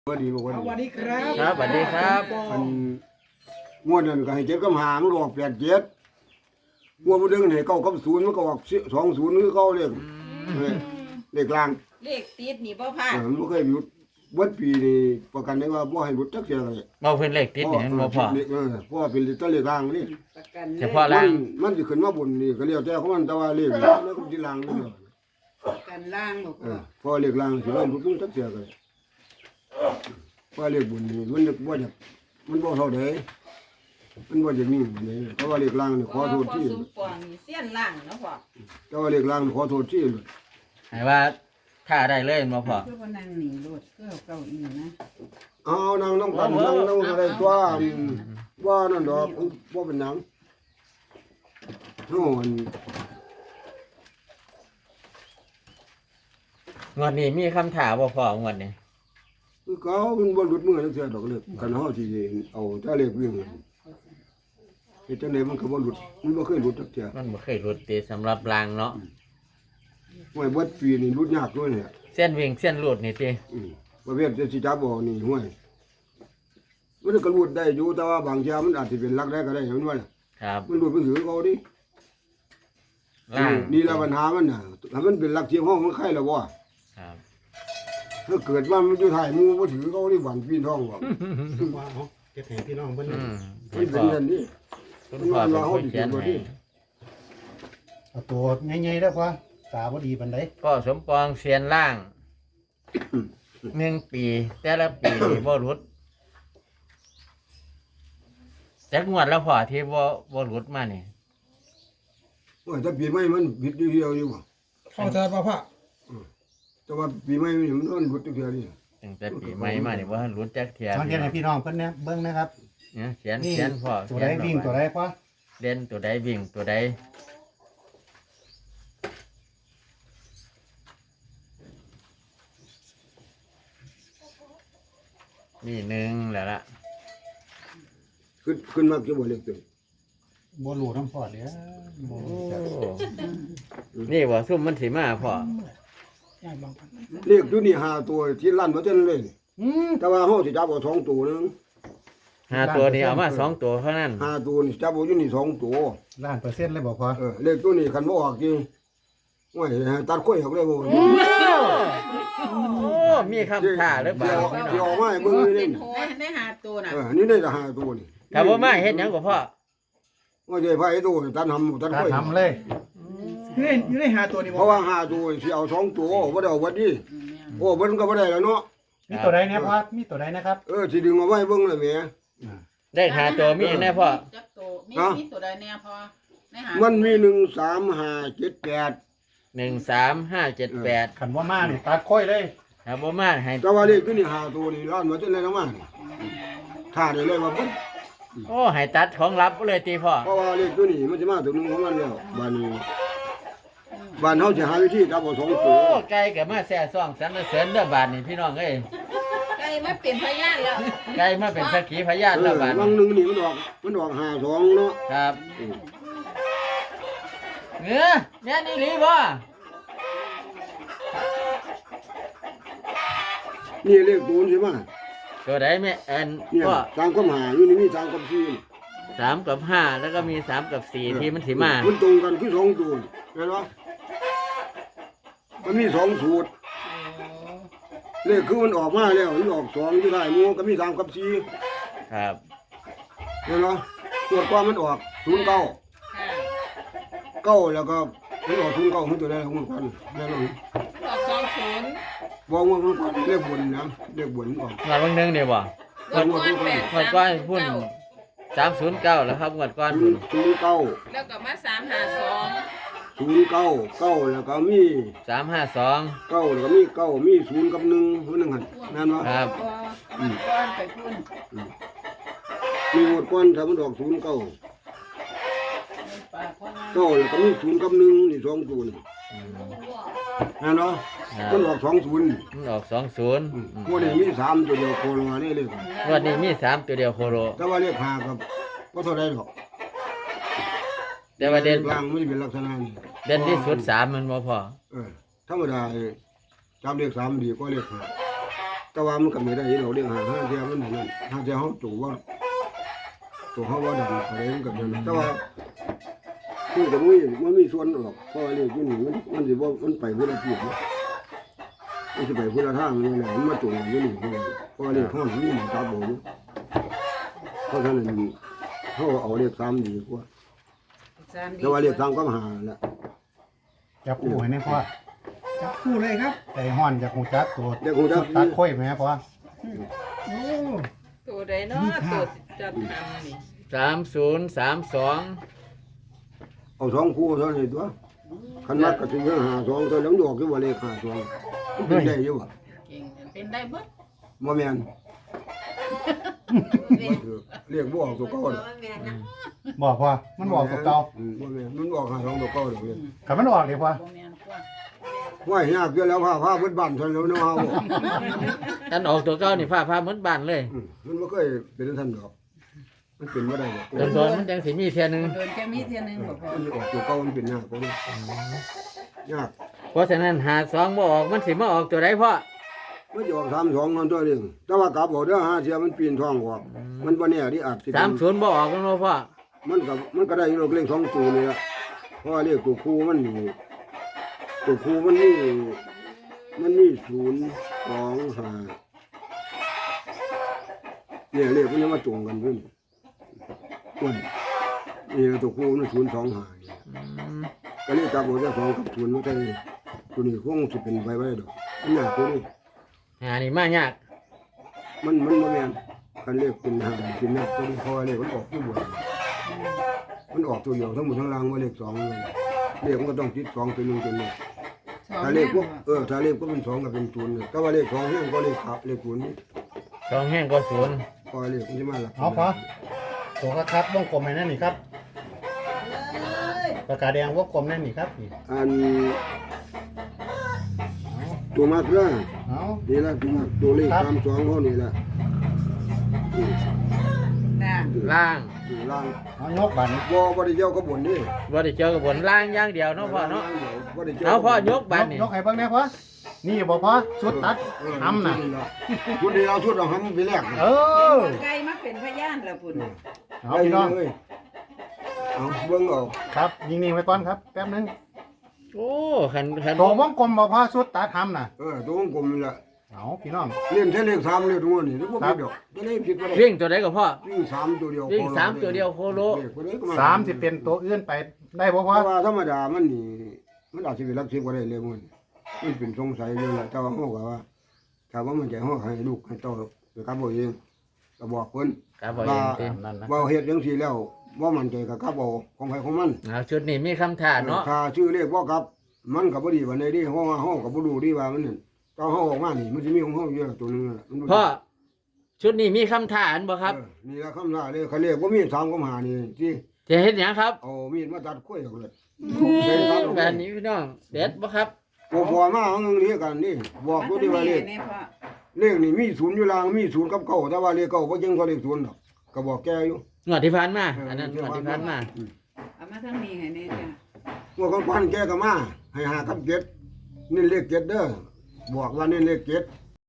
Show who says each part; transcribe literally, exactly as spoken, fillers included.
Speaker 1: สวัสดีบอกว่า
Speaker 2: สวัสดีครับ
Speaker 3: ครับสวัสดีครับ
Speaker 1: อันงวดนั้นก็ให้เจ็ดกับหามันออกแปดเจ็ดงวดมันดึงให้เก้ากับศูนย์มันก็ออกสองศูนย์คือเก้าเลขเลขกลาง
Speaker 4: เลขติดนี่บ่พลาด
Speaker 1: เออมันบ่เคยหยุดวัดปีนี่ประกันได้ว่าบ่ให้หลุดจักเสียเลย
Speaker 3: เมาเพิ่นเลขติดนี่มันบ่พอ
Speaker 1: เออเพราะว่าเป็นตัวเลขกลางนี่
Speaker 4: ประกัน
Speaker 3: เฉพาะ
Speaker 1: มั
Speaker 3: ล่าง
Speaker 1: นมันสิขึ้นมาบนนี่ก็เรียกแต่ของมันแต่ว่าเลขแล้วก็สิล่างนี่เด้อ
Speaker 4: ประกันล่างบ่
Speaker 1: เอ
Speaker 4: พ่อ
Speaker 1: อเพราะเลขล่างสิว่าหลุดจักเสียเลยเพราะเลขบนนี่มันบ่อยากมันบ่เท่าใดมันบ่จะมีนี่เพราะว่าเลขล่างนี่ขอโทษที่
Speaker 4: พ่อสมปองนี่เสี้ยนล่างเนาะพ่อ
Speaker 1: แต่ว่าเลขล่างนี่ขอโทษที่
Speaker 3: ให้ว่าถ้าได้เลยบ่พอ
Speaker 4: คือบ่นั่งนี่โลดคือเอาเก้าอี้นะ
Speaker 1: เอานางน้ำกันนางน้ำอะไรตัวว่านั่นดอกว่าเป็นหนังโน่น
Speaker 3: งวดนี้มีคำถามบ่พองวดนี้
Speaker 1: คือเขาเป็นบนหลุดมือนั่นเสียดอกเล็กกันห่อที่เอาเจ้าเล็กวิ่งเฮ็ดจังไดมันก็บ่หลุดมันบ่เคยหลุดจักเที่ย
Speaker 3: มันบ่เคยหลุดติสำหรับล่างเนาะ
Speaker 1: ห้วยเบิดปีนี่หลุดยากด้วยเนี่ย
Speaker 3: เส้นวิ่งเส้นหลุดนี่ติ
Speaker 1: อืมประเภทจะสิจับบ่นี่ห้วยมันก็หลุดได้อยู่แต่ว่าบางเที่ยมันอาจสิเป็นลักได้ก็ได้เห็นว่าล่ะ
Speaker 3: ครับ
Speaker 1: มันหลุดไปถือเขาดิ
Speaker 3: ล่าง
Speaker 1: นี่ละปัญหามันน่ะถ้ามันเป็นลักเทียมห้องมันไข่แล้วบ่
Speaker 3: ครับ
Speaker 1: ถ้าเกิดว่ามันอยู่ถ่ายหมูบ่ถือเขาที่หวานปีนท้องบ่
Speaker 2: ว่าเอาเก็บแห่พี่น้องเพิ่น
Speaker 3: อืม
Speaker 1: มันเป็นอย่างนี้
Speaker 3: คุณพ่อเป็นคนเขียนให้
Speaker 2: เอาตัวใหญ่ๆได้อพ่อตาบ่ดีปานใด
Speaker 3: พ่อสมปองเสียนล่างหนึ่งปี แต่ละปีนี่บ่หลุดจักงวดแล้วพ่อที่บ่บ่หลุดมานี่
Speaker 1: ว่าถ้าปีใหม่มันผิดอยู่เดียวอยู่บ่
Speaker 2: เข้าใจป่ะพ่อ
Speaker 1: แต่ว่าปีใหม่มันมันหลุดอยู่เดียวนี่
Speaker 3: ตั้งแต่ปีใหม่มานี่บ่ทันหลุดจักเที่ย
Speaker 2: สังเกตให้พี่น้องเพิ่นเนี่ยเบิ่งนะครับ
Speaker 3: เนี่ยเขียน
Speaker 2: นี่
Speaker 3: เขียนพ่อ
Speaker 2: ตัว
Speaker 3: เขี
Speaker 2: ใด
Speaker 3: ยน
Speaker 2: วิ่งตัวใดพ่อ
Speaker 3: เล่นตัวใดวิ่งตัวใดนี่หนึ่งแล้วล่ะ
Speaker 1: ขึ้นขึ้นมาจะบ่เล็กตัว
Speaker 2: บ่รู้น้ำพ่อเด้อบ่
Speaker 3: โอ้
Speaker 2: รู้จัก
Speaker 3: นี่บ่ซุ่มมันสิมาพ่อ
Speaker 1: เลขอยู่นี่ห้าตัวที่ลั่นบ่ทันเลย
Speaker 2: อืม
Speaker 1: แต่ว่าเฮาสิจับเอาสองตัวนึง
Speaker 3: ห้าตัวนี้เอามาสองตัวเท่านั้น
Speaker 1: ห้าตัวนี่จับเอาอยู่นี่สองตัว
Speaker 2: ล้านเปอร์เซ็นต์เลยบ่พ่อ
Speaker 1: เออเลขตัวนี้คันบ่ออกจริงโอ้ยตัดข้อยออกเลยบ่
Speaker 3: โอ้มีคำท่าหรือเปล่า
Speaker 1: เดี๋ยวเอามาให้เบิ่งนี่
Speaker 4: เป็
Speaker 1: นี่
Speaker 4: นโหได้หาตัวน่ะ
Speaker 1: เออนี่ได้แต่ห้าตัวนี่
Speaker 3: ถ้าบ่มาเฮ็ดหยังก็พ่อ
Speaker 1: ว่าจะไผตัวตัดหำตัด
Speaker 2: ตา
Speaker 1: ข้อย
Speaker 2: ทำเลยอยู่ในอยู่ในหาตัวนี่
Speaker 1: เพ
Speaker 2: บ่
Speaker 1: ราะว่าห้าตัวสิเอาสองตัวบ่ได้เอาวัดนี้โอ้เบิ่นก็บ่ได้แล้วเนาะ
Speaker 2: มีตัวใดเนี่ยพ่อมีตัวใดนะครับ
Speaker 1: เออสิดึงเอาไว้เบิ่งเลยแหม
Speaker 3: ได้หาตัวมีแน่พ่อ
Speaker 4: จักตัวมี
Speaker 1: ฮะ
Speaker 4: มีตัวใดแน่พ่อได้หา
Speaker 1: มันมีหนึ่งสามห้าเจ็ดแปด
Speaker 3: หนึ่งสามห้าเจ็ดแปด
Speaker 2: ขันว่ามานี่ตัดค่อยเลย
Speaker 3: ถ้าบ่มาให้
Speaker 1: แต่ว่าเลขตัวนี้ห้าตัวนี่ร้านมาจนเลยนะมาถ้าได้เลยว่าเบิ่น
Speaker 3: โอ้ให้ตัดของลับเลยตีพ่อ
Speaker 1: เพราะว่าเลขตัวนี้มันจะมาตัวหนึงของมันแล้วบ้านนี้บ้านเฮาสิหาวิธีจับเอาสอง
Speaker 3: โอ้
Speaker 1: ตัว
Speaker 3: ไก่ก็มาแซ่ซ่องสรรเสริญเด้อบาดนี่พี่น้องเอ้ย
Speaker 4: ไก่มาเป็นพยานแล้ว
Speaker 3: ไก่มาเป็นสักขีพยาน
Speaker 1: เอ
Speaker 3: แล้ว
Speaker 1: อ
Speaker 3: บาด
Speaker 1: วั
Speaker 3: นี้
Speaker 1: งหนึงนี่มันออกมันออกห้าสองเนาะ
Speaker 3: ครับเนื้อเนี่ยนี่หลีบ่
Speaker 1: นี่เลขตัวนี้ใช่ไหม
Speaker 3: ตัวใดแม่แอน
Speaker 1: เนี่ย
Speaker 3: พ่อ
Speaker 1: ตามคำหาอยู่นี่มีตามคำชี้
Speaker 3: สามกับห้าแล้วก็มีสามกับสี่ที่มันสิมา
Speaker 1: มันตรงกันคือสองตัวเห็นปะมันมีสองสูตรเลขคือมันออกมาแล้วมันออกสองที่ได้หมูก็มีสามกับสี่
Speaker 3: ครับ
Speaker 1: เห็นปะตรวจความมันออกศูนย์เก้า
Speaker 4: ค่ะ
Speaker 1: เก้าแล้วก็มันออกศูนย์เก้ามันตัวได้ของมันกันแล้วเรา
Speaker 4: มันออกสองศูนย์
Speaker 1: บอกว่ามันกันเลขบนนะเลขบนออก
Speaker 3: งวดวันหนึงเนี่ยบ่
Speaker 4: งวดก้อนแปด
Speaker 3: งวดก้อนพุ่นสามศูนย์เก้าแล้วครับงวดก้อน
Speaker 1: ศู
Speaker 3: พุ่
Speaker 1: น
Speaker 3: น
Speaker 1: ย์ศูนย์เก้า
Speaker 4: แล้วก็มาสามหาสอง
Speaker 1: ศูนย์เก้าเก้าแล้วก็มี
Speaker 3: สามห้าสอง
Speaker 1: เก้าแล้วก็มีเก้ามีศูนย์กับหนึ่งคนหนึ่งหันนั่นวะ
Speaker 3: ครับ
Speaker 4: ก้อนไปพุ่น
Speaker 1: มีหมดก้อนถ้ามันออกศูนย์เก้า
Speaker 4: ปากว่า
Speaker 1: เก้าแล้วก็มีศูนย์กับหนึ่งนี่สองศูนย์นั่นเนาะมันออกสองศูนย์
Speaker 3: มันออกสองศูนย์
Speaker 1: พวกนี้มีสามตัวเดียวโคโลนี่เลย
Speaker 3: งวดนี้มีสามตัวเดียวโคโร
Speaker 1: แต่ว่าเลขหากับก็เท่าไรหรอก
Speaker 3: แต่ว่าเด่น
Speaker 1: กลางไม่เป็นลักษณะนี้
Speaker 3: เด่นที่สุดสามมันบ่พอ
Speaker 1: เออธรรมดาจำเลขสามดีกว่าเลขหาแต่ว่ามันก็ไม่ได้เราเรียกหาห้าเทียมันเหมือนกันห้าเทียเขาจู่ว่าตัวเขาว่าดันอะไรมันกับนั้นแต่ว่าคือกับมันมันมีส่วนออกเพราะอะไรที่นี่มันมันสิว่ามันไปพุทธภูมิมันจะไปพุทธทางนี่แหละมันมาจู่อยู่นี่เพราะอะไรห้องนี้มันตาโบอยู่เพราะฉะนั้นเขาเอาเรียกซ้ำดีกว่า
Speaker 4: สามดี
Speaker 1: แต่ว่าเรียกซ้ำก็มาหาแหละ
Speaker 2: จับคู่ให้แน่พ่อ
Speaker 5: จับคู่เลยครับ
Speaker 2: ใจห้อนจากหูจักตัว
Speaker 1: เดี๋ยวคงจะ
Speaker 2: ตัดค่อยไหมพ่อ
Speaker 5: โอ้
Speaker 4: ตัวใดเนาะตัวจับทำนี่
Speaker 3: สามศูนย์สามสอง
Speaker 1: เอาสองคู่เท่านั้นตัวขันมัดก็ถึงหาสองตัวแล้วดอกที่ว่าเลขหาสองเป็นได้อยู่บ่
Speaker 4: เก่งเป็นได้เบิด
Speaker 1: บ่แม่นเรียกบ่ออกตัวเก่า
Speaker 2: บอกพ่อมันบอกตัวเก่า
Speaker 1: อืมบ่แม่นมันออกหาสองตัวเก่าดอกเลย
Speaker 2: กับมันออกเลยพ่อ
Speaker 4: บ่แม่นกว่า
Speaker 1: ว่ายากเกินแล้วพาพาเบิดบ้านซั่นแล้วเนาะเฮา
Speaker 3: อันออกตัวเก้านี่ฟ้าฟ้าเหมือนบ้านเลย
Speaker 1: อืมมันบ่เคยเป็นท่านดอก มันเป็นบ่ได้ดอก
Speaker 3: โดนโดนๆมันจังสิมีเทียหนึง
Speaker 4: โดนจะมีเทียหนึงบ่พอ
Speaker 1: มันออกตัวเก่ามันเป็นยากกว่านี้ยาก
Speaker 3: เพราะฉะนั้นหาสองบ่ออกมันสิมาออกตัวใดพ่อ
Speaker 1: มันจะออกสามสองนั่นตัวนึงแต่ว่ากลับเอาเด้อหาเสียมันปีนท้องออกมันบ่แน่ดิอาจสิเป็
Speaker 3: สาม
Speaker 1: น
Speaker 3: ศูนย์บ่ออกกันบ่พ่อ
Speaker 1: มันก็มันก็ได้อยู่ดอกเลขสองตัวนี่ละเพราะว่าเลขตัวคู่มันนี่ตัวคู่มันนี่มันนี่ศูนย์สองห้าเนี่ยเลขมันยังมาตรงกันด้วยนี่อ้วนนี่ตัวคู่มันศูนย์สองห้านี่
Speaker 3: อืม
Speaker 1: ก็เลยจับเอาแต่สองกับศูนย์มาใส่ตัวนี้คงสิเป็นใบไว้ดอกมันยากตัวนี้
Speaker 3: หานี่มายาก
Speaker 1: มันมันบ่แม่นคันเลขเป็นห้าเป็นยากตัวนี้เพราะว่าเลขมันออกที่บนมันออกตัวเดียวทั้งหมดทั้งรางว่าเลขสองเลยเลขมันก็ต้องติดสองตัวหนึงตัวนี้
Speaker 4: สอง
Speaker 1: ถ้าเลขพวกเออถ้าเลขก็เป็นสองก็เป็นศูนย์เนี่ยแต่ว่าเลขสองเนี่ยก็เลขขับเลขศูนย์นี่
Speaker 3: สองแห้งก็ศูนย์
Speaker 1: พอเลขมันจะมาหลัก
Speaker 2: เอาพ่อตัวกระคับวงกลมให้นั่นนี่ครับปากกาแดงวงกลมนั่นนี่ครับนี่
Speaker 1: อันตัวมากละ
Speaker 2: เอา
Speaker 1: นี่ละตัวมากตัวเลขสามสองเท่านี้ละอืม
Speaker 4: น่ะ
Speaker 3: ล่าง
Speaker 1: ตัวล่าง
Speaker 2: เอายกบัน
Speaker 1: บ่บ่ได้เจ้าก็บ่นนี่
Speaker 3: บ่ได้เจอกับบนล่างอย่างเดียวเนาะพ่อเนาะ
Speaker 1: บ่ได้จ้
Speaker 3: เอาพ่อยกบันนี่
Speaker 2: ยกให้เบิ่งแน่พ่อนี่บอกพ่อชุดตัดทำน่ะ
Speaker 1: ชุดนี้เราชุดเราทำไปแรก
Speaker 2: เออ
Speaker 4: ไก่มาเป็นพยานแล้วพุ่นน่ะ
Speaker 2: เอาพี่น้อง
Speaker 1: เลยเอาเบิ่งเอา
Speaker 2: ครับยิงนี่ไว้ก่อนครับแป๊บนึง
Speaker 3: โอ้คันคัน
Speaker 2: ตัววงกลมบอกพ่อชุดตัดทำน่ะ
Speaker 1: เออตัววงกลมนี่แหละ
Speaker 2: เอาพี่น้อง
Speaker 1: เล่นแค่เลขสามเลขตัวนี้นึกว่าผิดดอกจะได้ผิดบ่ได้
Speaker 3: วิ่งตัวใดก็พ่อ
Speaker 1: วิ่งสามตัวเดียว
Speaker 3: วิ่งสามตัวเดียวโคโล
Speaker 1: เลขบ่ได้ก็
Speaker 2: สามสิเป็นตัวอื่นไปได้บ่
Speaker 1: เพ
Speaker 2: พ่อ
Speaker 1: ราะว่าธรรมดามันนี่มันอาจจะเป็นลักสิบก็ได้เลยมันมันเป็นสงสัยอยู่แหละแต่ว่าเฮาก็ว่าถ้าว่ามันใจเฮาให้ลูกให้โตไปกับบ่เองก็บอกเพิ่น
Speaker 3: ครับพ่อเองติ
Speaker 2: นั่นนะ
Speaker 1: ว่าเฮ็ดจังซี่แล้วบ่มั่นใจก็กลับเอาของไผของมัน
Speaker 3: เอาชุดนี้มีคำถามเนาะ
Speaker 1: ถ้าชื่อเลขบ่กลับ มันก็บ่ดีปานใดเดิเพราะว่าเฮาก็บ่รู้ดีว่ามันนั่นตอนเฮาออกมานี่มันสิมีของเฮาอยู่แล้วตัวหนึงนั่นล่ะมันบ่ดี
Speaker 3: พ่อชุดนี้มีคำถามบ่ครับ
Speaker 1: เออนี่ละคำท่าเลยเขาเรียกว่ามีดสามกับหานี่ที่
Speaker 3: จะเฮ็ดหยังครับ
Speaker 1: เอามีดมาตัดกล้วยออกเลย
Speaker 3: แบบนี้พี่น้องเด็ดบ่ครับ
Speaker 1: พอพอมาเอาเงินเรียกกันนี่บอกตัวที่ว่าเลข
Speaker 4: นี่พ่อ
Speaker 1: เลขนี่มีศูนย์อยู่ล่างมีศูนย์กับเก้าแต่ว่าเลขเก้าบ่จริงกว่าเลขศูนย์ดอกก็บอกแกอยู่
Speaker 3: งวดที่ผ่านมาอันนั้นงวดที่ผ่านมา
Speaker 1: อืม
Speaker 4: เอามาทางนี้ให้แน่จ้ะ
Speaker 1: งวดก่อนๆแกก็มาให้หากับเจ็ดนี่เลขเจ็ดเด้อบอกว่านี่เลขเจ็ด